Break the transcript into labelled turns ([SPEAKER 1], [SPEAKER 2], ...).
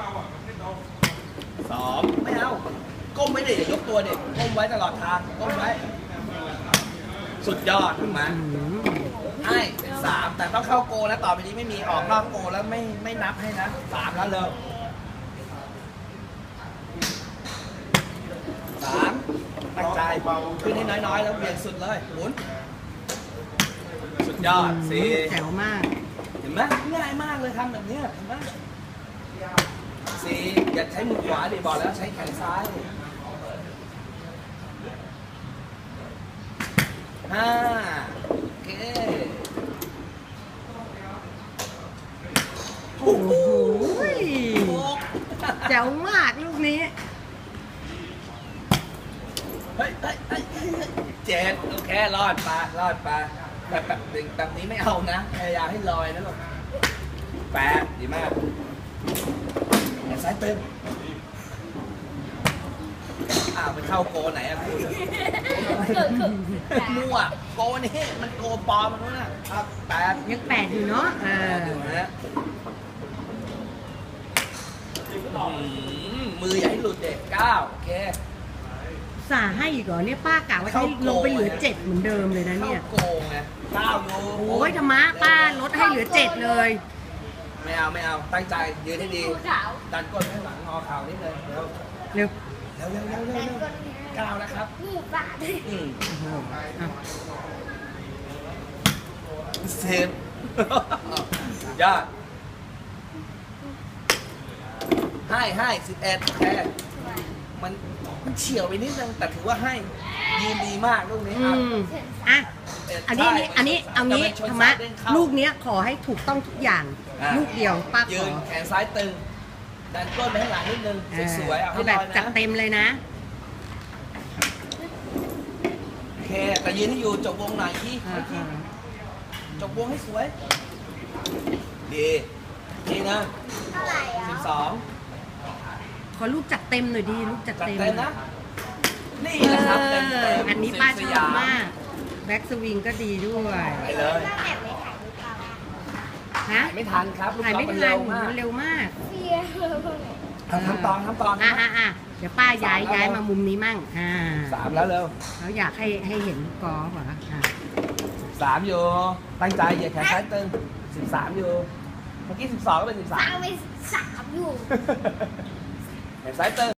[SPEAKER 1] สองไม่เอาก้มไม่ได้อย่ายกตัวเด็กก้มไว้ตลอดทางก้มไว้สุดยอดถูกไหมให้เป็นสามแต่ต้องเข้าโกนะต่อไปนี้ไม่มีออกนอกโกแล้วไม่นับให้นะสามแล้วเลยสามตั้งใจขึ้นให้น้อยๆแล้วเบี่ยงสุดเลยหมุนสุดยอดสี่
[SPEAKER 2] แจ๋วมาก
[SPEAKER 1] เห็นไหมง่ายมากเลยทำแบบนี้เห็นไหมสี่อย่าใช้มือขวาดิบอกแล้วใช้แขนซ้ายห้าโอเค
[SPEAKER 2] โอ้โห
[SPEAKER 1] หก
[SPEAKER 2] แจ๋วมากลูกนี้
[SPEAKER 1] เฮ้ยเจ็ดโอเครอดไปแบบนี้ไม่เอานะพยายามให้ลอยนะลูกแปดดีมากแขนซ้ายเต็มไปเข้าโกไหนอะคุณมั่วโกนี่มันโกปลอมมันนู้นนะครับแปด
[SPEAKER 2] ยังแปดอยู่เนาะ
[SPEAKER 1] อยู่นะมืออย่าให้หลุดเด็กเก้าโอเค
[SPEAKER 2] สาให้อีกเหรอเนี่ยป้ากะว่าให้ลงไปเหลือเจ็ดเหมือนเดิมเลยนะเนี่ย
[SPEAKER 1] เข้าโกไงเก้าโย
[SPEAKER 2] โอ้ยธรรมะป้าลดให้เหลือเจ็ดเลย
[SPEAKER 1] ไม่เอาตั้งใจยืนให้ดีดันก้นให้หลังงอเข่านิดเลยเร็ว
[SPEAKER 2] เร็ว
[SPEAKER 1] เก้านะครับ
[SPEAKER 3] นี่บาท
[SPEAKER 2] อ่ะ
[SPEAKER 1] เซฟยอดให้11แค่มันเฉียวไปนิดนึงแต่ถือว่าให้ยืนดีมากลูกนี้ครับ
[SPEAKER 2] อ่ะอันนี้เอางี้ธรรมะลูกเนี้ยขอให้ถูกต้องทุกอย่าง ลูกเดียวป้าข
[SPEAKER 1] ยื
[SPEAKER 2] อน
[SPEAKER 1] แขนซ้ายตึงดันก้นไปข้างหลังนิดนึงสวยๆเอาให้
[SPEAKER 2] แบ
[SPEAKER 1] ล
[SPEAKER 2] บ
[SPEAKER 1] อย
[SPEAKER 2] จั
[SPEAKER 1] นะ
[SPEAKER 2] ดเต็มเลยนะ
[SPEAKER 1] โอเคแต่ยืนให้อยู่จบวงหน่อยที่จบวงให้สวยดีนะ
[SPEAKER 3] เท่าไหร่อ่ะ
[SPEAKER 1] 12
[SPEAKER 2] ขอลูกจัดเต็มหน่อยดีลูกจัด
[SPEAKER 1] จัด
[SPEAKER 2] เต็ม
[SPEAKER 1] เต็มนะนี่นะครับเต็ม
[SPEAKER 2] อันนี้ป้าชอบมากแบ็กสวิงก็ดีด้วย
[SPEAKER 1] ไปเลย
[SPEAKER 3] ตั้งแต่ไม่ถ่ายรูปเรา
[SPEAKER 2] ฮะ
[SPEAKER 1] ถ่ายไม่ทันครับลูก
[SPEAKER 2] ถ่าย
[SPEAKER 1] กอ
[SPEAKER 2] ไม่
[SPEAKER 1] ล์ฟมัน
[SPEAKER 2] ทั
[SPEAKER 1] เร็
[SPEAKER 2] น
[SPEAKER 1] วมาก
[SPEAKER 2] มันเร็วมาก
[SPEAKER 3] เสีย
[SPEAKER 1] ทำตอน
[SPEAKER 2] เดี๋ยวป้าย้ายมามุมนี้มั่ง
[SPEAKER 1] 3แล้วเร็ว
[SPEAKER 2] เขาอยากให้เห็นกอล์ฟเหรอ
[SPEAKER 1] 3อยู่ตั้งใจเหยียดแขนซ้ายตึง13อยู่เมื่อกี้12ก็เป็น13
[SPEAKER 3] ตั้งไป3อยู่
[SPEAKER 1] แขนซ้ายตึง